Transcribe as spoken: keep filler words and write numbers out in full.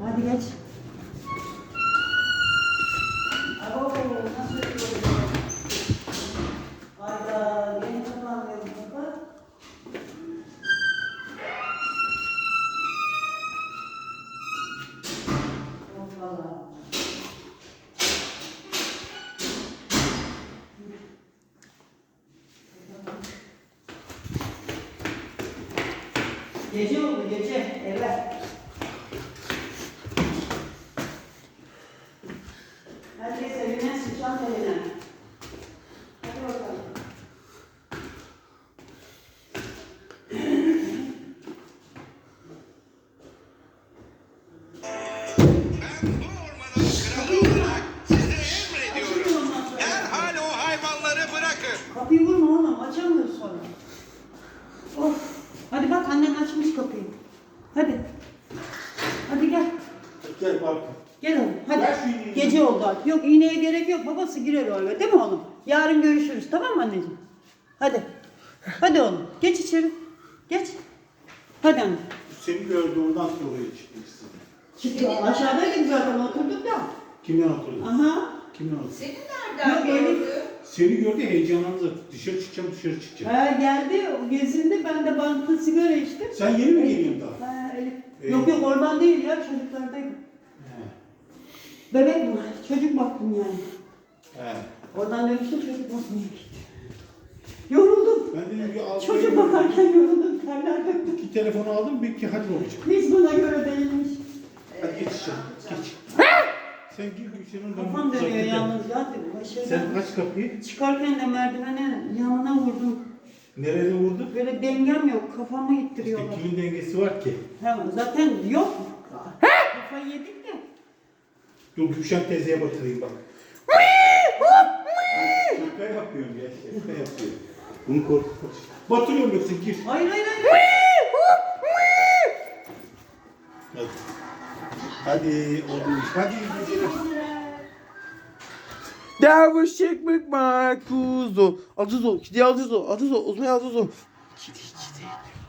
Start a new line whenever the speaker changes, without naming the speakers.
Hadi geç. Abo, nasıl yapıyorsun? Hayda, yeni kapanmıyor bu kapı. Hoppala. Gece oldu gece, eve. Herkes evine, sıçan evine. Hadi bakalım.
Ben bu ormanın kralı olarak size emrediyorum. Derhal o hayvanları bırakın.
Kapıyı vurma oğlum, açamıyoruz sonra. Of. Hadi bak annen açmış kapıyı. Hadi. Hadi gel.
Gel bak.
Gel oğlum hadi.
Ver şu iğneyi.
Gece oldu artık. Yok iğneye gerek yok. Babası girer o eve değil mi oğlum? Yarın görüşürüz tamam mı anneciğim? Hadi. Hadi oğlum. Geç içeri. Geç. Hadi anne.
Seni gördü ondan sonra çıkmak istedim.
Çıktı. Aşağıdaydık zaten oturduk ya.
Kimden oturdun?
Aha.
Kimden oturdun?
Seni nereden
Yok, Elif.
gördü?
Seni gördü heyecanlandı. Dışarı çıkacağım dışarı çıkacağım.
Ha, geldi o gezindi. Ben de bankta sigara içtim.
Sen yeni mi geliyorsun daha?
Ha, Elif.
Ee?
Yok yok oradan değil ya çocuklardaydım.
He.
Bebek mi? Çocuk baktım yani.
He.
Oradan dönüşte çocuk bakmaya gitti. Yoruldum.
Ben dedim ki al.
Çocuk bakarken yoruldum. Terler döktüm.
İki telefonu aldım bir ki hadi babacığım.
Hiç buna göre değilmiş.
Hadi geç içeri. Geç. Sen gir Gülşen'in
Kafam dönüyor yalnız ya. Şeyden,
Sen aç kapıyı.
çıkarken de merdivene yanına vurdum.
Nereye vurdun?
Böyle dengem yok. Kafamı
İşte
ittiriyorlar.
kimin dengesi var ki?
Ha, zaten yok. Kafayı yedik de.
Dur Gülşen teyzeye batırayım bak. Şaka yapıyorum ya. Şaka yapıyorum. Bunu korkutmak için. Batırıyorum yoksa gir.
Hayır hayır hayır.
Hadi. Hadi oldu iş. Hadi iyi geceler.
Derviş çekmek Markuzo. Aduzo. Kidi Aduzo. Aduzo. Uzmay Aduzo. Kidi kidi.